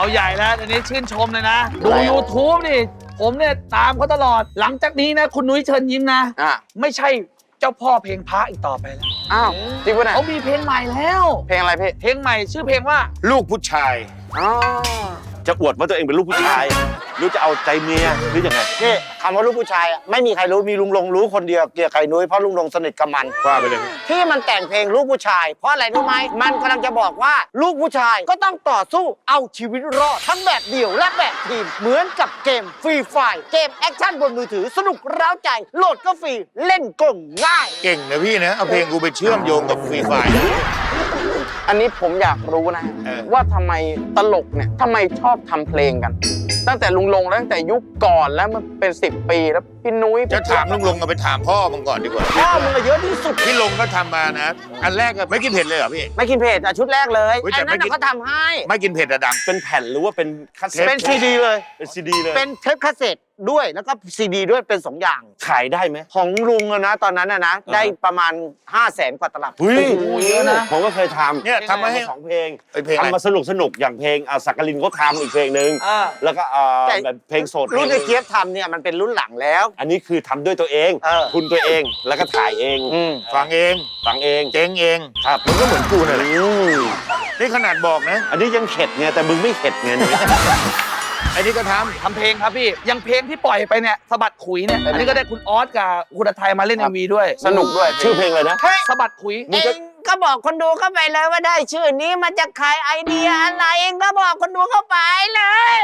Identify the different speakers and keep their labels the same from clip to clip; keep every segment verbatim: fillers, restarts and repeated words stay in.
Speaker 1: เอาใหญ่แล้วอันนี้ชื่นชมเลยนะดู YouTube นี่ผมเนี่ยตามเขาตลอดหลังจากนี้นะคุณนุ้ยเชิญยิ้มนะไม่ใช่เจ้าพ่อเพลงพระอีกต่อไปแล้ว
Speaker 2: อ้าวจริงปะเนี่ย
Speaker 1: เขามีเพลงใหม่แล้ว
Speaker 2: เพลงอะไรพี่
Speaker 1: เพลงใหม่ชื่อเพลงว่า
Speaker 3: ลูกผู้ชาย
Speaker 2: อ๋อ
Speaker 4: จะอวดว่าตัวเองเป็นลูกผู้ชายหรือจะเอาใจเมียหรือยังไง
Speaker 5: นี่คำว่าลูกผู้ชายไม่มีใครรู้มีลุงลงรู้คนเดียวเกี่ยวกับไข่นุ้ยเพราะลุงลงสนิทกับมัน
Speaker 3: ว่าไปเลย
Speaker 5: ที่มันแต่งเพลงลูกผู้ชายเพราะอะไรรู้ไหมมันกำลังจะบอกว่าลูกผู้ชายก็ต้องต่อสู้เอาชีวิตรอดทั้งแบบเดี่ยวและแบบทีมเหมือนกับเกมฟรีไฟร์เกมแอคชั่นบนมือถือสนุกเร้าใจโหลดก็ฟรีเล่นก็ง่าย
Speaker 3: เก่งนะพี่นะเอาเพลงกูไปเชื่อมโยงกับฟรีไฟร์
Speaker 2: อันนี้ผมอยากรู้นะว่าทำไมตลกเนี่ยทำไมชอบทำเพลงกันตั้งแต่ลุงลงแล้วตั้งแต่ยุคก่อนแล้วมันเป็นสิบปีแล้วพี่นุ้ย
Speaker 3: จะถามลุงลงเอาไปถามพ่อมึงก่อนดีกว่า
Speaker 5: พ่อมึงเยอะที่สุด
Speaker 3: พี่ลงก็ทำมานะอันแรกก็ไม่กินเผ็ดเลยเหรอพี่
Speaker 5: ไม่กินเผ็ดอ่ะชุดแรกเลยไอ้นั่นเขาทำให้
Speaker 3: ไม่กินเผ็ดอะดัง
Speaker 4: เป็นแผ่นหรือว่าเป็นคาสเซ็ต
Speaker 5: เป็นซีดีเลย
Speaker 4: เป็นซีดีเลย
Speaker 5: เป็นเทปคาสเซ็ตด้วยแล้วก็ซีดีด้วยเป็นสองอย่าง
Speaker 4: ขายได้ไหม
Speaker 5: ของลุงนะตอนนั้นนะนะได้ประมาณห้าแสนกว่าตลับ
Speaker 4: อุ้ยเยอะนะผมก็เคยทำ
Speaker 3: เนี่ยทำมาให้
Speaker 4: สองเพลงทำมาสนุกสนุกอย่างเพลงสักกลินก็ทำอีกเพลงหนึ่งแล้วก็แบบเพลงสด
Speaker 5: รุ่นไอ้เกียบทำเนี่ยมันเป็นรุ่นหลังแล้ว
Speaker 4: อันนี้คือทำด้วยตัวเองทุนตัวเองแล้วก็ถ่ายเอง
Speaker 3: ฟังเอง
Speaker 4: ฟังเอง
Speaker 3: เจ๊งเอง
Speaker 4: ครับ
Speaker 3: มันก็เหมือนกูนั่นแหละนี่ขนาดบอกนะ
Speaker 4: อันนี้ยังเข็ดไงแต่มึงไม่เข็ดไง
Speaker 3: อันนี้ก็ทำ
Speaker 1: ทำเพลงครับพี่ยังเพลงที่ปล่อยไปเนี่ยสะบัดขุยเนี่ยอันนี้ก็ได้คุณออสกับคุณไทยมาเล่น เอ็ม วี ด้วย
Speaker 4: สนุกด้วยชื่อเพลงเลยนะ
Speaker 1: สะบัดขุย
Speaker 5: เองก็บอกคนดูเข้าไปเลยว่าได้ชื่อนี้มาจากใครไอเดียอะไรเองก็บอกคนดูเข้าไปเลย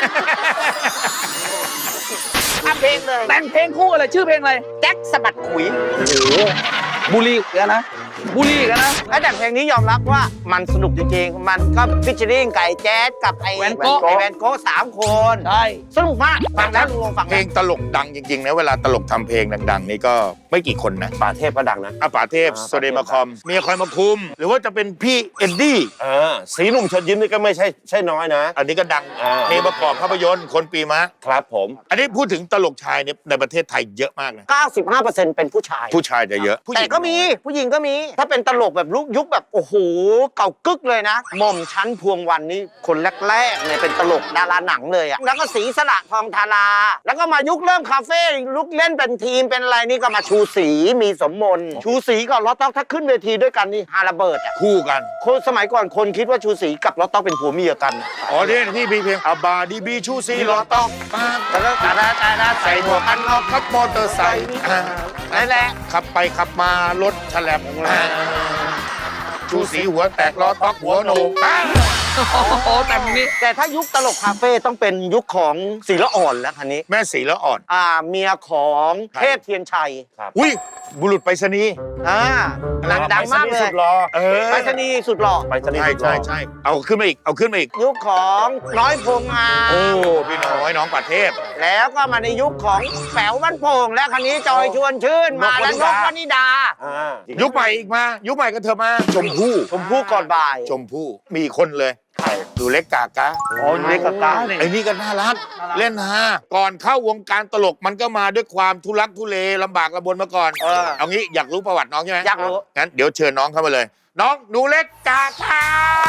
Speaker 5: ทำเพลงเลย
Speaker 1: แต่งเพลงคู่อะไรชื่อเพลงอะไร
Speaker 5: แจ็คสะบัดขุย
Speaker 1: โอ้โหบุรีกันนะบุรีกันนะ
Speaker 5: แล้วแต่เพลงนี้ยอมรับว่ามันสนุกจริงๆมันก็ฟิชเชอริ่งไก่แจ๊สกับไอแวนโก้ไอแวนโก้สามคน
Speaker 1: ใช่
Speaker 5: สนุกมากฟังแล้วลุงลงฟัง
Speaker 3: เพลงตลกดังจริงๆนะเวลาตลกทำเพลงดังๆนี่ก็ไม่กี่คนนะ
Speaker 4: ป่าเทพก็ดังนะ
Speaker 3: อ่ะป่าเทพโซเดมาคอมเมียคอยมาคุมหรือว่าจะเป็นพี่เอ็นดี้
Speaker 4: อ่าสีหนุ่มเชิญยิ้มนี่ก็ไม่ใช่ใช่น้อยนะ
Speaker 3: อันนี้ก็ดังเพลงประกอบภาพยนตร์คนปีมะ
Speaker 4: ครับผม
Speaker 3: อันนี้พูดถึงตลกชายเนี่ยในประเทศไทยเยอะมากนะ
Speaker 5: เก้าสิบห้าเปอร์เซ็นต์ เป็นผู้ชาย
Speaker 3: ผู้ชายจะเยอะ
Speaker 5: แต่ก็มีผู้หญิงก็มีถ้าเป็นตลกแบบลุกยุคแบบโอ้โหเก่ากึกเลยนะหม่อมชั้นพวงวันนี่คนแรกๆเนี่ยเป็นตลกดาราหนังเลยอะแล้วก็สีสละทองธาราแล้วก็มายุคเริ่มคาเฟ่ลุกเล่นเป็นทีมเป็นอะไรนี่ก็มาชูศรีมีสมมนชูศรีกับล้อต๊อกถ้าขึ้นเวทีด้วยกันนี่ฮาระเบิดอะ
Speaker 3: คู่กัน
Speaker 5: คนสมัยก่อนคนคิดว่าชูศรีกับล้อต๊อกเป็นผัวเมียกัน
Speaker 3: อ๋อที่ที่เพลงอาบาดีบีชูศรีล้อต๊อก
Speaker 5: แล้วก็ตาดาตาดาใส่หมวกกันน็อก
Speaker 3: ขับมอเตอร์ไซค์
Speaker 5: นั่นแหละ
Speaker 3: ขับไปขับมารถฉลับชูสีหัวแตกล้อต๊อกหัวโหนก
Speaker 1: โอ้โหแต่นี้
Speaker 5: แต่ถ้ายุคตลกคาเฟ่ต้องเป็นยุคของศิลอ่อนแล้วคันนี้
Speaker 3: แม่ศิลอ่อน
Speaker 5: อ่าเมียของเทพเทียนชัย
Speaker 3: อุ้ยบุรุษไปรษณีย์
Speaker 5: อ่าดังมากเลย
Speaker 4: สุดหล่อ
Speaker 5: ไปรษณีย์สุดหล่อ
Speaker 4: ไปรษณีย์
Speaker 3: ใช่ใช่ใช่เอาขึ้นมาอีกเอาขึ้นมาอีก
Speaker 5: ยุคของน้อยพงงา
Speaker 3: โอ้พี่น้อยน้องปัดเทพ
Speaker 5: แล้วก็มาในยุคของแป๋วบ้านโป่งและคันนี้จอยชวนชื่นมาแล้วนกวนิดา
Speaker 3: ยุคใหม่อีกมายุคใหม่ก็เธอมาชมพู่
Speaker 5: ชมพู่ก่อนบ่าย
Speaker 3: ชมพู่มีคนเลยดูเล็กกากะ
Speaker 5: อ๋อเล็กกากะ
Speaker 3: ไอ้นี่ก็น่ารักเล่นฮาก่อนเข้าวงการตลกมันก็มาด้วยความทุลักทุเลลำบากลำบนมาก่อนเอางี้อยากรู้ประวัติน้องใช่ไหม
Speaker 5: อยากรู้
Speaker 3: งั้นเดี๋ยวเชิญน้องเข้ามาเลยน้องหนูเล็กกากะ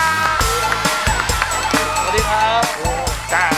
Speaker 1: สวัสดีครับ
Speaker 3: กา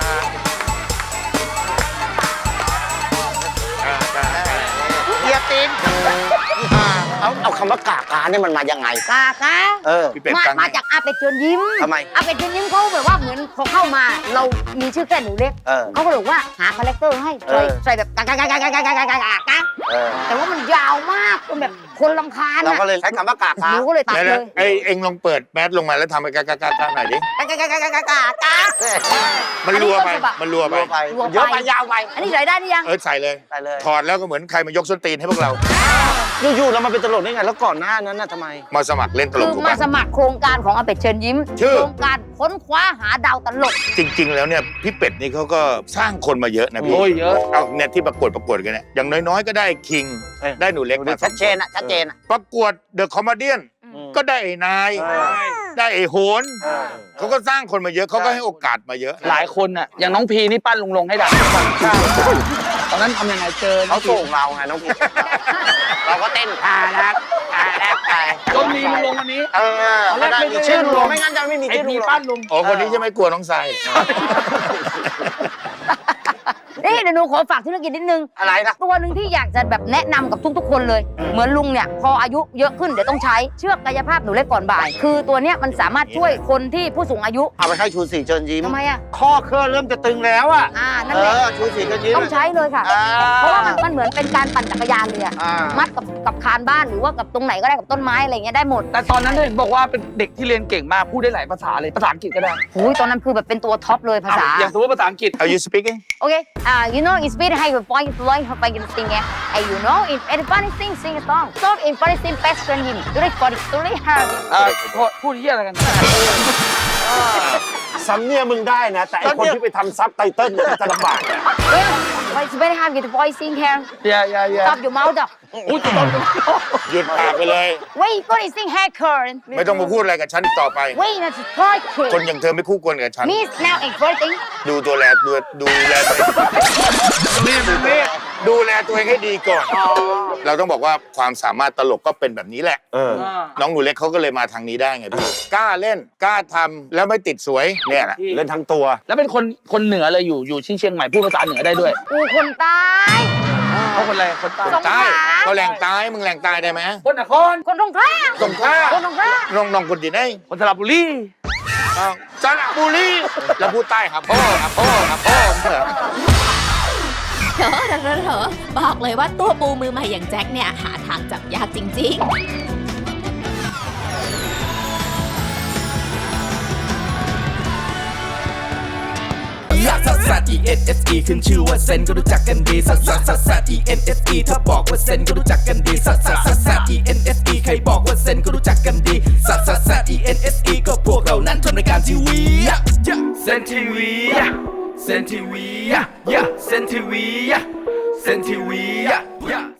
Speaker 5: เฮียตินเอาเอาคำว่ากากาเนี่ยมันมายังไง
Speaker 6: กากา
Speaker 5: เออ
Speaker 6: มามาจากอาเป็ดเชิญยิ้ม
Speaker 5: ทำไม
Speaker 6: อาเป็ดเชิญยิ้มเขาแบบว่าเหมือนพอเข้ามาเรามีชื่อแค่หนูเล็กเขาก็เลยว่าหาคาแรคเตอร์ให้ใส่ใส่แบบกากากากากากากากากากาแต่ว่ามันยาวมากจนแบบคนรำคาญ
Speaker 5: เราก็เลยใช้คำว่ากากา
Speaker 6: หนูก็เลยตัดเลย
Speaker 3: ไอเอ็งลองเปิดแมสลงมาแล้วทำไปกากากากาหน่อยดิ
Speaker 6: กากากากากากา
Speaker 3: มันรัวไปมันรัวไป
Speaker 5: เยอะไปยาวไป
Speaker 6: อันนี้ใส่ได้หรือยัง
Speaker 3: เออใส่เลย
Speaker 5: ใส่เลย
Speaker 3: ถอดแล้วก็เหมือนใครมายกส้นตีนให้พวกเรา
Speaker 5: อยู่ๆแล้วมาเป็นตลกได้ไงแล้วก่อนหน้านั้นน่ะทำไม
Speaker 3: มาสมัครเล่นตลก
Speaker 6: มาสมัครโครงการของอาเป็ดเชิญยิ้มโครงการค้นคว้าหาดาวตลก
Speaker 3: จริงๆแล้วเนี่ยพี่เป็ดนี่เขาก็สร้างคนมาเยอะนะพี่
Speaker 1: โอ้ยเยอะ
Speaker 3: เอาเนี่ยที่ประกวดประกวดกันเนี่ยอย่างน้อยๆก็ได้คิงได้หนูเล็กมา
Speaker 5: ชัดเจนอ่ะชัดเจนอ่ะ
Speaker 3: ประกวดเดอะคอมเมดี้ก็ได้ไอ้นายได้ไอ้โหนเขาก็สร้างคนมาเยอะเขาก็ให้โอกาสมาเยอะ
Speaker 1: หลายคนอ่ะอย่างน้องพีนี่ปั้นลุงลงให้ดังตอนนั้นทำยังไงเจอ
Speaker 5: เขาส่งเราไงน้องพีเราก็เต้นท่ารักท่ารักท่า
Speaker 1: จนมีลุงลงอันนี้
Speaker 5: เออ
Speaker 1: ตอนแรก
Speaker 5: ได้
Speaker 1: ไม่
Speaker 5: มี
Speaker 1: ได้
Speaker 5: ชื่อลุงลง
Speaker 1: ลุง
Speaker 5: ไม่งั้นจะไม่มี
Speaker 1: ไอ้
Speaker 5: ชื่อลุ
Speaker 1: มี
Speaker 5: งลง
Speaker 1: ปั้นลุง
Speaker 3: โอ้คนนี้จะไม่กลัวน้องทราย
Speaker 6: นี่เดี๋ยวหนูขอฝากธุรกิจนิดนึง
Speaker 5: อะไรนะ
Speaker 6: ตัวหนึ่งที่อยากจะแบบแนะนำกับทุกๆ คนเลย เหมือนลุงเนี่ยพออายุเยอะขึ้นเดี๋ยวต้องใช้เชือกกายภาพหนูเล็กก่อนบ่าย คือตัวเนี้ยมันสามารถช่วยคนที่ผู้สูงอายุ
Speaker 5: เอาไปให้ชูศรีเชิญยิ้ม
Speaker 6: ทำไมอ่ะ
Speaker 5: ข้อเคลื่อนเริ่มจะตึงแล้วอ่ะ
Speaker 6: อ่านั่น
Speaker 5: เอ
Speaker 6: แหละ
Speaker 5: อชูศรีเชิญยิ้ม
Speaker 6: ต้องใช้เลยค่ะ
Speaker 5: อ่
Speaker 6: เพราะว่ามันมันเหมือนเป็นการปั่นจักรยานเลยอะ
Speaker 5: อ่า
Speaker 6: มัดกับกับคานบ้านหรือว่ากับตรงไหนก็ได้กับต้นไม้อะไรเงี้ยได้หมด
Speaker 1: แต่ตอนนั้นเห็นบอกว่าเป็นเด็กที่เรียนเก่งมากพูดได้หลายภาษาเลยภาษาอังกฤษก็ได้
Speaker 6: หูยตอนนั้นคือแบบเป็นตัวท็อปเลยภาษา
Speaker 1: อ่ะอย่างสมมติภาษาอังกฤษ
Speaker 3: Are you speaking
Speaker 6: โอเคอ่า you know it's very high for point to learn how to sing it and you know if anybody sing sing a song so if anybody sing best friend him do it for it do it hard
Speaker 1: อ่าโทษพูดเฮียอะไรกัน
Speaker 4: สำเนียงมึงได้นะ แต่ไอคนที่ไปทำซับไตเติ้ลเนี่ยมันจะลำบากเนี่ย
Speaker 6: well it's very hard get the voice sing here
Speaker 1: อย่าอย่าอย่า
Speaker 6: stop your mouth up
Speaker 1: อุ้ยตอน
Speaker 3: หยุดปากไปเลย
Speaker 6: wait you gonna sing hair curl
Speaker 3: ไม่ต้องมาพูดอะไรกับฉันอีกต่อไป
Speaker 6: wait that's a third
Speaker 3: คน
Speaker 6: kid
Speaker 3: อย่างเธอไม่คู่ควรกับฉัน
Speaker 6: means now everything
Speaker 3: ดูตัวแลดูดูแลตัวเองดูแลตัวเองให้ดีก่อน เราต้องบอกว่าความสามารถตลกก็เป็นแบบนี้แหละ
Speaker 4: เออ
Speaker 3: น้องหนูเล็กเขาก็เลยมาทางนี้ได้ไงพี่ กล้าเล่น กล้าทำแล้วไม่ติดสวยเนี่ยแหละ
Speaker 4: เล่นทั้งตัว
Speaker 1: แล้วเป็นคนคนเหนือเลยอยู่อยู่ที่เชียงใหม่พูดภาษาเหนือได้ด้วย
Speaker 6: กูคนใต้
Speaker 1: เขาคนอะไรคนใต้
Speaker 6: สงขลา
Speaker 3: ใต้ก็แหล่งใต้มึงแหล่งใต้ได้ไหม
Speaker 1: คนนคร
Speaker 6: คนตรงข้าม
Speaker 3: สงขลา
Speaker 6: คนตรงข้าม
Speaker 3: น้องน้องคนที่ไหน
Speaker 1: คนสระบุรี
Speaker 3: อ้าวสระบุรีแล้วพูดใต้ครับพ่อครับพ่อครับพ่อเหรอ
Speaker 7: เถอะเถอะเถอะบอกเลยว่าตัวปูมือใหม่อย่างแจ็คเนี่ยหาทางจับยากจริง ๆ
Speaker 8: ลักซัสซัส E N S E ขึ้นชื่อว่าเซนก็รู้จักกันดีซัสซัสซัสซัส E N S E ถ้าบอกว่าเซนก็รู้จักกันดีซัสซัสซัสซัส E N S E ใครบอกว่าเซนก็รู้จักกันดีซัสซัสซัส E N S E ก็พวกเรานั้นทำรายการทีวีเซนทีวีเซนทีวีเซนทีวีเซนทีวี